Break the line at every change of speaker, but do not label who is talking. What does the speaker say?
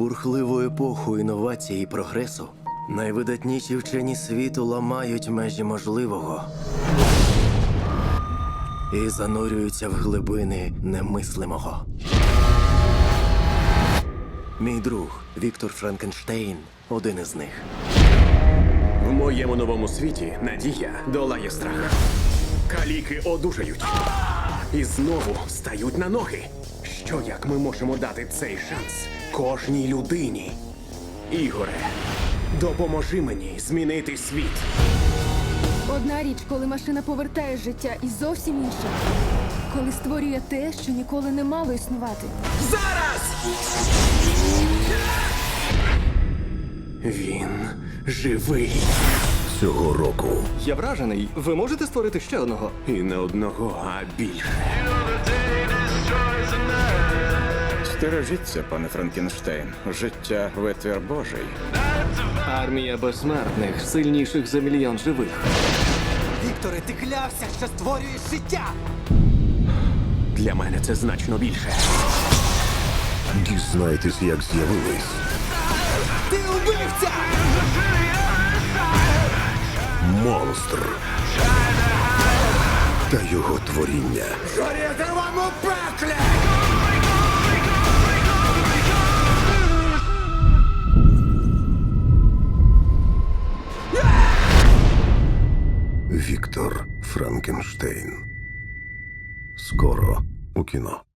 бурхливу епоху інновацій і прогресу найвидатніші вчені світу ламають межі можливого і занурюються в глибини немислимого. Мій друг Віктор Франкенштейн – один із них.
В моєму новому світі надія долає страх. Каліки одужають. І знову стають на ноги. Що як ми можемо дати цей шанс кожній людині? Ігоре, допоможи мені змінити світ.
Одна річ, коли машина повертає життя, і зовсім інша, коли створює те, що ніколи не мало існувати.
Зараз! Він живий.
Цього року
Я вражений. Ви можете створити ще одного?
І не одного, а більше.
Стережіться, пане Франкенштейн. Життя – витвір Божий.
Армія безсмертних, сильніших за мільйон живих.
Вікторе, ти клявся, що створюєш життя!
Для мене це значно більше.
дізнайтесь, як з'явились
Ти убивця!
монстр та його творіння.
Горіти вам у пеклі!
Віктор Франкенштейн. Скоро у кіно.